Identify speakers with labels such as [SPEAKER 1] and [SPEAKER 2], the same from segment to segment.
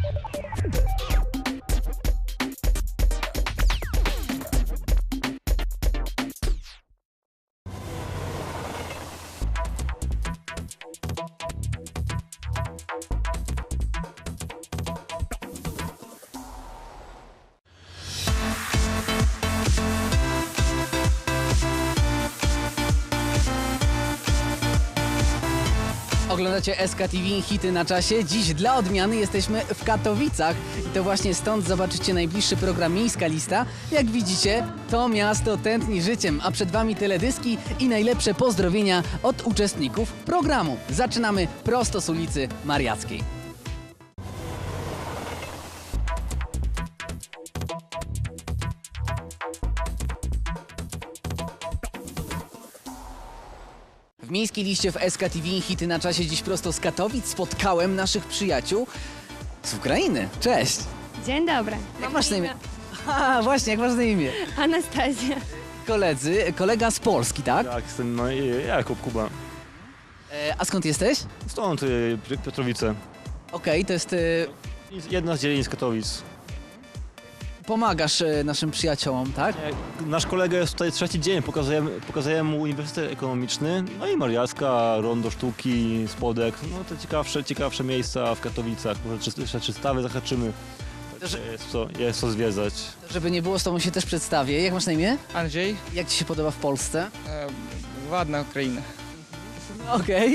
[SPEAKER 1] Oglądacie SK TV, hity na czasie. Dziś dla odmiany jesteśmy w Katowicach i to właśnie stąd zobaczycie najbliższy program Miejska Lista. Jak widzicie, to miasto tętni życiem, a przed Wami teledyski i najlepsze pozdrowienia od uczestników programu. Zaczynamy prosto z ulicy Mariackiej. W Miejskiej Liście w SK TV hity na czasie dziś prosto z Katowic spotkałem naszych przyjaciół z Ukrainy. Cześć!
[SPEAKER 2] Dzień dobry.
[SPEAKER 1] Jak masz na imię? A, właśnie, jak masz na imię?
[SPEAKER 2] Anastazja.
[SPEAKER 1] Kolega z Polski, tak?
[SPEAKER 3] Tak, jestem Jakub Kuba.
[SPEAKER 1] A skąd jesteś?
[SPEAKER 3] Stąd Piotrowice.
[SPEAKER 1] Okej, to jest...
[SPEAKER 3] Jedna z dzielnic Katowic.
[SPEAKER 1] Pomagasz naszym przyjaciołom, tak?
[SPEAKER 3] Nasz kolega jest tutaj trzeci dzień, pokazujemy mu Uniwersytet Ekonomiczny, no i Mariacka, Rondo Sztuki, Spodek, no te ciekawsze miejsca w Katowicach, może jeszcze 300 zahaczymy. Także jest co zwiedzać.
[SPEAKER 1] Żeby nie było, z tobą się też przedstawię. Jak masz na imię?
[SPEAKER 4] Andrzej,
[SPEAKER 1] Jak ci się podoba w Polsce?
[SPEAKER 4] ładna Ukraina.
[SPEAKER 1] Okej.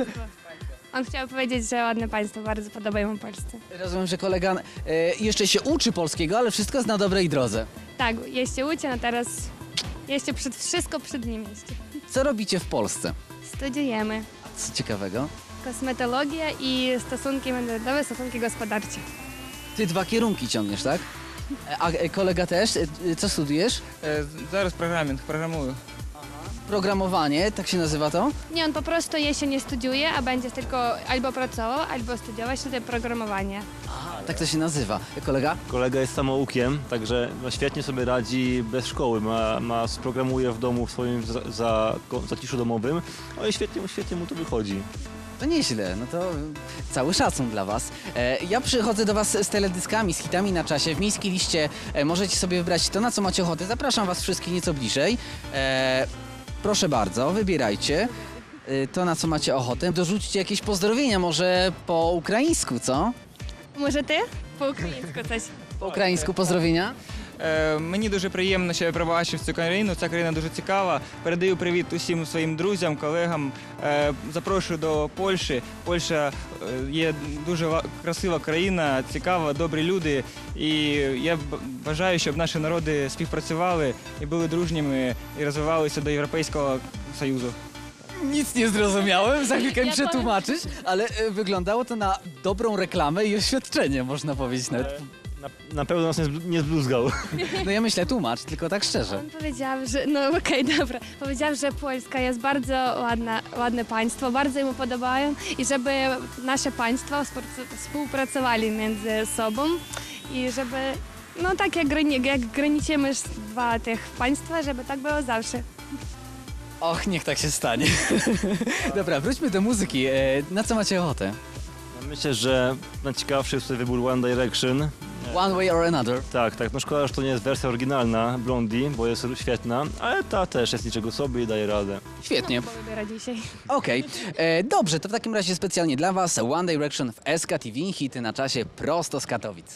[SPEAKER 2] On chciał powiedzieć, że ładne państwo, bardzo podobają mu Polsce.
[SPEAKER 1] Rozumiem, że kolega jeszcze się uczy polskiego, ale wszystko jest na dobrej drodze.
[SPEAKER 2] Tak, jeszcze uczę, no teraz jeszcze wszystko przed nim jeszcze.
[SPEAKER 1] Co robicie w Polsce?
[SPEAKER 2] Studiujemy
[SPEAKER 1] Co ciekawego?
[SPEAKER 2] kosmetologię i stosunki międzynarodowe, stosunki gospodarcze.
[SPEAKER 1] Ty 2 kierunki ciągniesz, tak? A kolega też? Co studiujesz?
[SPEAKER 4] Зараз programuję.
[SPEAKER 1] Programowanie, tak się nazywa to?
[SPEAKER 2] Nie, on po prostu jeszcze nie studiuje, a będzie tylko albo pracował, albo studiować tutaj programowanie.
[SPEAKER 1] A, tak to się nazywa. Kolega?
[SPEAKER 3] Kolega jest samoukiem, także no, świetnie sobie radzi bez szkoły, programuje w domu w swoim zaciszu domowym, no i świetnie mu to wychodzi.
[SPEAKER 1] To nieźle, no to cały szacun dla Was. Ja przychodzę do Was z teledyskami, z hitami na czasie. W Miejskiej Liście możecie sobie wybrać to, na co macie ochotę. Zapraszam Was wszystkich nieco bliżej. Proszę bardzo, wybierajcie to, na co macie ochotę. Dorzućcie jakieś pozdrowienia, może po ukraińsku, co?
[SPEAKER 2] Może ty? Po українську coś.
[SPEAKER 1] Po ukraińsku pozdrowienia?
[SPEAKER 4] Мені дуже приємно, що я побачив цю країну. Ця країна дуже цікава. Передаю привіт усім своїм друзям, колегам. Запрошую до Польщі. Польща є дуже красива країна, цікава, добрі люди. І я бажаю, щоб наші народи співпрацювали і були дружніми і розвивалися до Європейського Союзу.
[SPEAKER 1] Nic nie zrozumiałem, za chwilkę mi
[SPEAKER 2] Ja
[SPEAKER 1] przetłumaczysz, ale wyglądało to na dobrą reklamę i oświadczenie, można powiedzieć nawet.
[SPEAKER 3] Na pewno nas nie zbluzgał.
[SPEAKER 1] No ja myślę, tłumacz, tylko tak szczerze.
[SPEAKER 2] On powiedział, że, no okej, dobra, powiedział, że Polska jest bardzo ładne państwo, bardzo mu podobają i żeby nasze państwa współpracowali między sobą i żeby, no tak jak graniczymy dwa tych państwa, żeby tak było zawsze.
[SPEAKER 1] Och, niech tak się stanie. Dobra, wróćmy do muzyki. Na co macie ochotę?
[SPEAKER 3] No, myślę, że najciekawszy jest tutaj wybór One Direction.
[SPEAKER 1] One Way or Another.
[SPEAKER 3] Tak, no szkoda, że to nie jest wersja oryginalna Blondie, bo jest świetna, ale ta też jest niczego sobie i daje radę.
[SPEAKER 1] Świetnie.
[SPEAKER 2] Bo wybiera dzisiaj.
[SPEAKER 1] Okej. Dobrze, to w takim razie specjalnie dla Was One Direction w SK TV, hity na czasie prosto z Katowic.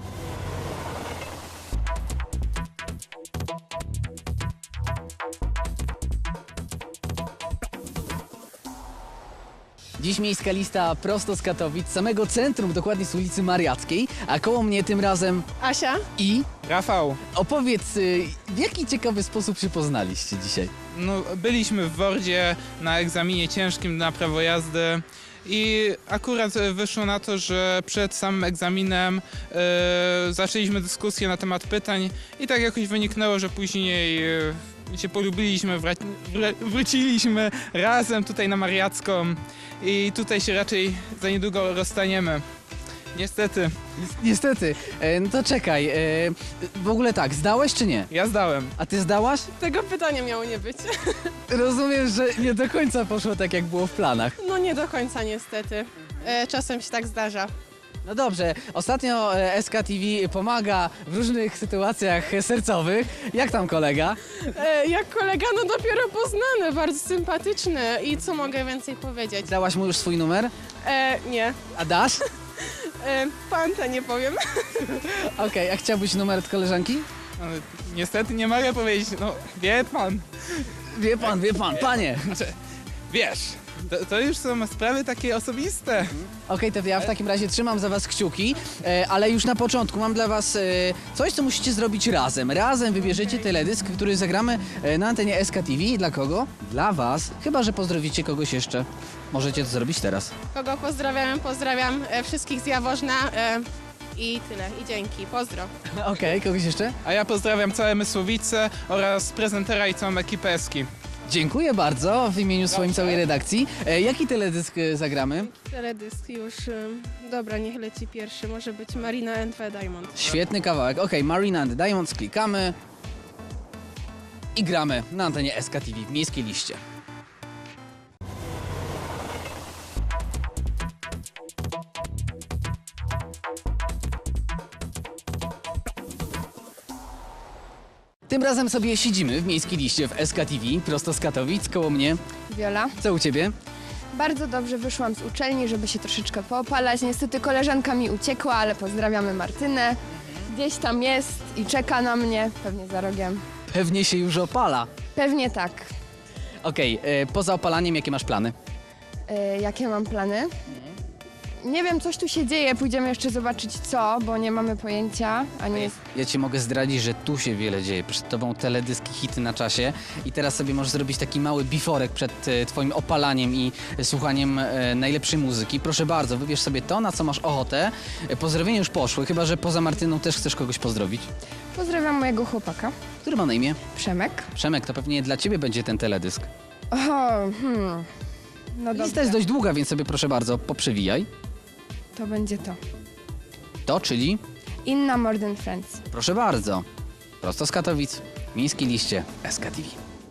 [SPEAKER 1] Dziś Miejska Lista prosto z Katowic, samego centrum, dokładnie z ulicy Mariackiej, a koło mnie tym razem
[SPEAKER 5] Asia?
[SPEAKER 1] i...
[SPEAKER 4] Rafał,
[SPEAKER 1] Opowiedz, w jaki ciekawy sposób się poznaliście dzisiaj?
[SPEAKER 6] No, byliśmy w Wordzie na egzaminie ciężkim na prawo jazdy i akurat wyszło na to, że przed samym egzaminem zaczęliśmy dyskusję na temat pytań i tak jakoś wyniknęło, że później się polubiliśmy, wróciliśmy razem tutaj na Mariacką i tutaj się raczej za niedługo rozstaniemy. Niestety.
[SPEAKER 1] Niestety. No to czekaj, w ogóle tak, zdałeś czy nie?
[SPEAKER 6] Ja zdałem.
[SPEAKER 1] A ty zdałaś?
[SPEAKER 5] Tego pytania miało nie być.
[SPEAKER 1] Rozumiem, że nie do końca poszło tak, jak było w planach.
[SPEAKER 5] No nie do końca niestety. Czasem się tak zdarza.
[SPEAKER 1] No dobrze, ostatnio SKTV pomaga w różnych sytuacjach sercowych. Jak tam kolega?
[SPEAKER 5] Jak kolega, no dopiero poznany, bardzo sympatyczny i co mogę więcej powiedzieć?
[SPEAKER 1] Dałaś mu już swój numer?
[SPEAKER 5] Nie,
[SPEAKER 1] A dasz?
[SPEAKER 5] panta nie powiem.
[SPEAKER 1] Okej, a chciałbyś numer od koleżanki?
[SPEAKER 6] No, niestety nie mogę powiedzieć, no wie pan.
[SPEAKER 1] Wie pan, panie.
[SPEAKER 6] Znaczy, wiesz, to już są sprawy takie osobiste.
[SPEAKER 1] Okej, to ja w takim razie trzymam za was kciuki, ale już na początku mam dla was coś, co musicie zrobić razem. Razem wybierzecie teledysk, który zagramy na antenie SKTV. Dla kogo? Dla was. Chyba że pozdrowicie kogoś jeszcze. Możecie to zrobić teraz.
[SPEAKER 5] Kogo pozdrawiam wszystkich z Jaworzna i tyle, i dzięki, pozdro.
[SPEAKER 1] Okej, kogoś jeszcze?
[SPEAKER 6] A ja pozdrawiam całe Mysłowice oraz prezentera i całą ekipę Eski.
[SPEAKER 1] Dziękuję bardzo w imieniu swoim całej redakcji. Jaki teledysk zagramy?
[SPEAKER 5] Teledysk już, dobra, niech leci pierwszy, może być Marina and the Diamond.
[SPEAKER 1] Świetny kawałek. Okej, Marina and the Diamonds, klikamy i gramy na antenie SKTV w Miejskiej Liście. Tym razem sobie siedzimy w Miejskiej Liście w SKTV, prosto z Katowic, koło mnie.
[SPEAKER 7] Wiola.
[SPEAKER 1] Co u ciebie?
[SPEAKER 7] Bardzo dobrze wyszłam z uczelni, żeby się troszeczkę poopalać. Niestety koleżanka mi uciekła, ale pozdrawiamy Martynę. Gdzieś tam jest i czeka na mnie, pewnie za rogiem.
[SPEAKER 1] Pewnie się już opala.
[SPEAKER 7] Pewnie tak.
[SPEAKER 1] Okej, poza opalaniem jakie masz plany?
[SPEAKER 7] Jakie mam plany? Nie wiem, coś tu się dzieje, pójdziemy jeszcze zobaczyć co, bo nie mamy pojęcia, a nie jest...
[SPEAKER 1] Ja ci mogę zdradzić, że tu się wiele dzieje. Przed tobą teledyski, hity na czasie i teraz sobie możesz zrobić taki mały biforek przed twoim opalaniem i słuchaniem najlepszej muzyki. Proszę bardzo, wybierz sobie to, na co masz ochotę. Pozdrowienia już poszły, chyba że poza Martyną też chcesz kogoś pozdrowić.
[SPEAKER 7] Pozdrawiam mojego chłopaka,
[SPEAKER 1] Który ma na imię?
[SPEAKER 7] Przemek.
[SPEAKER 1] Przemek, to pewnie dla ciebie będzie ten teledysk.
[SPEAKER 7] No
[SPEAKER 1] Lista
[SPEAKER 7] dobra,
[SPEAKER 1] jest dość długa, więc sobie proszę bardzo, poprzewijaj.
[SPEAKER 7] to będzie to.
[SPEAKER 1] To, czyli,
[SPEAKER 7] Inna More Than Friends.
[SPEAKER 1] proszę bardzo, prosto z Katowic, w Miejskiej Liście SKTV.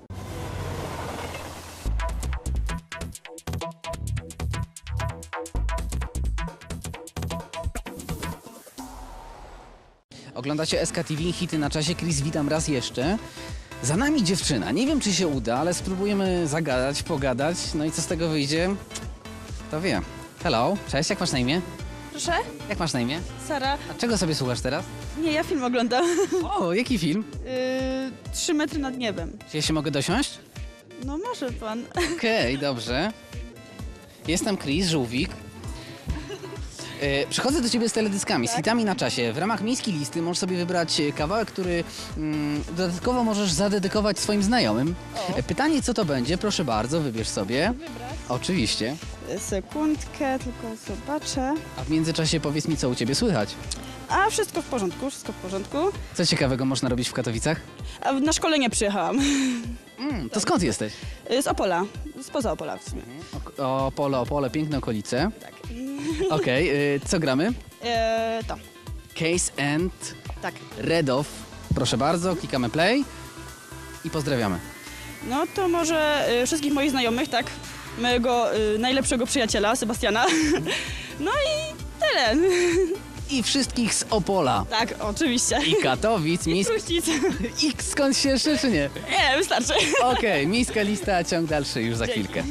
[SPEAKER 1] Oglądacie SKTV, hity na czasie. Chris, witam raz jeszcze. Za nami dziewczyna. Nie wiem, czy się uda, ale spróbujemy zagadać, pogadać. No i co z tego wyjdzie, to wie. Hello, cześć, jak masz na imię?
[SPEAKER 8] Proszę?
[SPEAKER 1] Jak masz na imię?
[SPEAKER 8] Sara?
[SPEAKER 1] A czego sobie słuchasz teraz?
[SPEAKER 8] Nie, ja film oglądam.
[SPEAKER 1] O, jaki film?
[SPEAKER 8] 3 metry nad niebem.
[SPEAKER 1] Czy ja się mogę dosiąść?
[SPEAKER 8] No może pan.
[SPEAKER 1] Okej, dobrze. Jestem Chris, żółwik. Przychodzę do ciebie z teledyskami, z hitami na czasie. W ramach Miejskiej Listy możesz sobie wybrać kawałek, który dodatkowo możesz zadedykować swoim znajomym. Pytanie, co to będzie? Proszę bardzo, wybierz sobie.
[SPEAKER 8] Wybrać?
[SPEAKER 1] Oczywiście.
[SPEAKER 8] Sekundkę, tylko zobaczę.
[SPEAKER 1] A w międzyczasie powiedz mi, co u ciebie słychać.
[SPEAKER 8] A wszystko w porządku, wszystko w porządku.
[SPEAKER 1] Co ciekawego można robić w Katowicach?
[SPEAKER 8] A na szkolenie przyjechałam.
[SPEAKER 1] To skąd jesteś?
[SPEAKER 8] Z Opola, spoza Opola w sumie.
[SPEAKER 1] Opole, piękne okolice.
[SPEAKER 8] Tak.
[SPEAKER 1] Okej, co gramy?
[SPEAKER 8] To,
[SPEAKER 1] Case and
[SPEAKER 8] tak.
[SPEAKER 1] Redow. Proszę bardzo, klikamy play i pozdrawiamy.
[SPEAKER 8] No to może wszystkich moich znajomych, tak? Mojego najlepszego przyjaciela, Sebastiana. No i tyle.
[SPEAKER 1] I wszystkich z Opola.
[SPEAKER 8] Tak, oczywiście.
[SPEAKER 1] I Katowic,
[SPEAKER 8] Kruścic.
[SPEAKER 1] I skąd się jeszcze, czy nie?
[SPEAKER 8] Nie, wystarczy.
[SPEAKER 1] Okej, Miejska Lista, ciąg dalszy już za
[SPEAKER 8] Dzięki.
[SPEAKER 1] chwilkę.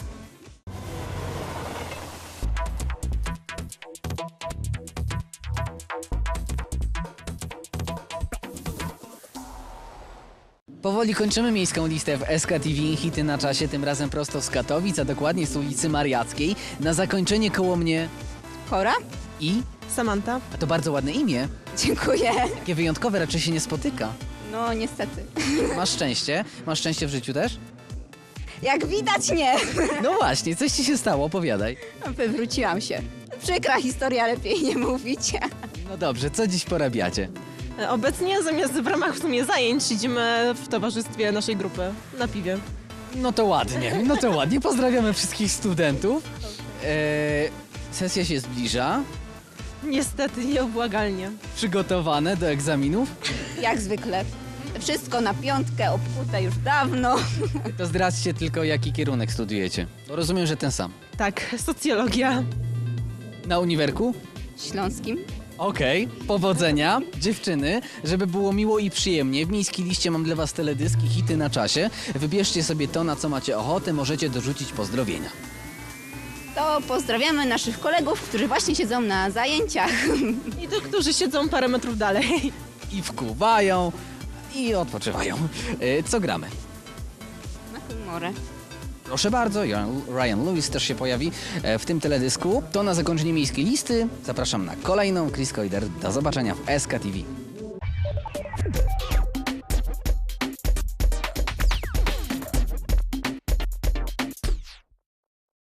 [SPEAKER 1] Powoli kończymy Miejską Listę w SKTV, hity na czasie, tym razem prosto z Katowic, a dokładnie z ulicy Mariackiej. Na zakończenie koło mnie
[SPEAKER 9] Kora?
[SPEAKER 1] i...
[SPEAKER 9] Samanta.
[SPEAKER 1] A to bardzo ładne imię.
[SPEAKER 9] Dziękuję.
[SPEAKER 1] Takie wyjątkowe, raczej się nie spotyka.
[SPEAKER 9] No niestety.
[SPEAKER 1] Masz szczęście? Masz szczęście w życiu też?
[SPEAKER 9] Jak widać nie.
[SPEAKER 1] No właśnie, coś ci się stało, opowiadaj.
[SPEAKER 9] Wywróciłam się. Przykra historia, lepiej nie mówić.
[SPEAKER 1] No dobrze, co dziś porabiacie?
[SPEAKER 10] Obecnie zamiast w ramach w sumie zajęć siedzimy w towarzystwie naszej grupy na piwie.
[SPEAKER 1] No to ładnie. Pozdrawiamy wszystkich studentów. Sesja się zbliża.
[SPEAKER 10] Niestety nieubłagalnie.
[SPEAKER 1] Przygotowane do egzaminów.
[SPEAKER 9] Jak zwykle. Wszystko na piątkę, obkute już dawno.
[SPEAKER 1] To zdradźcie tylko, jaki kierunek studiujecie. Bo rozumiem, że ten sam.
[SPEAKER 10] Tak, socjologia.
[SPEAKER 1] Na uniwerku?
[SPEAKER 9] Śląskim.
[SPEAKER 1] Okej, powodzenia, dziewczyny, żeby było miło i przyjemnie. W miejskiej liście mam dla was teledyski, hity na czasie. Wybierzcie sobie to, na co macie ochotę, możecie dorzucić pozdrowienia.
[SPEAKER 9] To pozdrawiamy naszych kolegów, którzy właśnie siedzą na zajęciach.
[SPEAKER 10] I tych, którzy siedzą parę metrów dalej.
[SPEAKER 1] I wkuwają, i odpoczywają. Co gramy?
[SPEAKER 9] Na humorę.
[SPEAKER 1] Proszę bardzo, Ryan Lewis też się pojawi w tym teledysku. To na zakończenie miejskiej listy. Zapraszam na kolejną. Chris Koider. Do zobaczenia w SKTV.